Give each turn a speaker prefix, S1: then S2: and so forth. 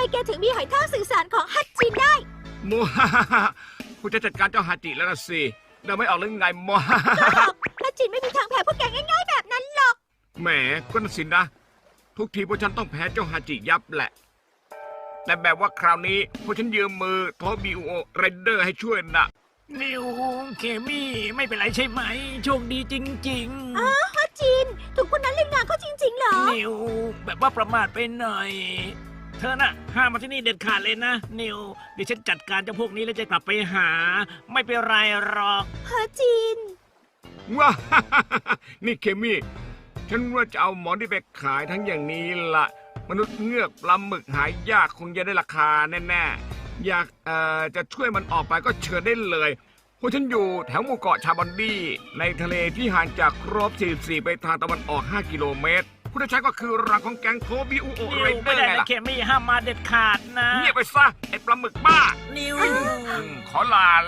S1: แกถึงมีหอยทากสื่อสารของฮัตจินได้
S2: โมฮ่าฮ่าฮ่าคุณจะจัดการเจ้าฮาจิแล้วนะสิเดาไม่ออกหรือไงโมฮ่าฮ่าฮ่า
S1: ฮัตจินไม่มีทางแพ้พวกแกง่ายๆแบบนั้นหรอก
S2: แหมก็นั่นสินะ ทุกทีพวกฉันต้องแพ้เจ้าฮาจิยับแหละ แต่แบบว่าคราวนี้พวกฉันยืมมือโทบิโอเรนเดอร์ให้ช่วยนะ
S3: นิวเคมี่ไม่เป็นไรใช่ไหม โชคดีจริง
S1: ฮัตจินถูกคนนั้นเล่นงานเขาจริงๆเหรอ
S3: ๆ นิวแบบว่าประมาทไปหน่อย เธอน่ะห้ามมาที่นี่เด็ดขาดเลยนะ นิวเดี๋ยวฉันจัดการเจ้าพวกนี้แล้วจะกลับไปหา ไม่เป็นไรหรอก
S1: ฮัตจิน
S2: ว้าฮ่าฮ่าฮ่านี่เคมี่ ฉันว่าจะเอาหมอนที่ไปขายทั้งอย่างนี้ละมนุษย์เงือกปลาหมึกหายากคงจะได้ราคาแน่ๆ อยากจะช่วยมันออกไปก็เชิญได้เลยพวกฉันอยู่แถวหมู่เกาะชาบอนดี้ในทะเลที่ห่างจากครบ44ไปทางตะวันออก5กิโลเมตรผู้ที่ใช้ก็คือรังของแก๊งโทบิอุโอ
S3: นิ
S2: เร
S3: วน
S2: เดอ
S3: ไม่
S2: ร์
S3: ได้
S2: ไง
S3: นะ
S2: ล่ะ
S3: เคมี่ห้ามมาเด็ดขาดนะ
S2: เงียบไปซะไอ้ปลาหมึกบ้า
S3: นิว
S2: ขอลา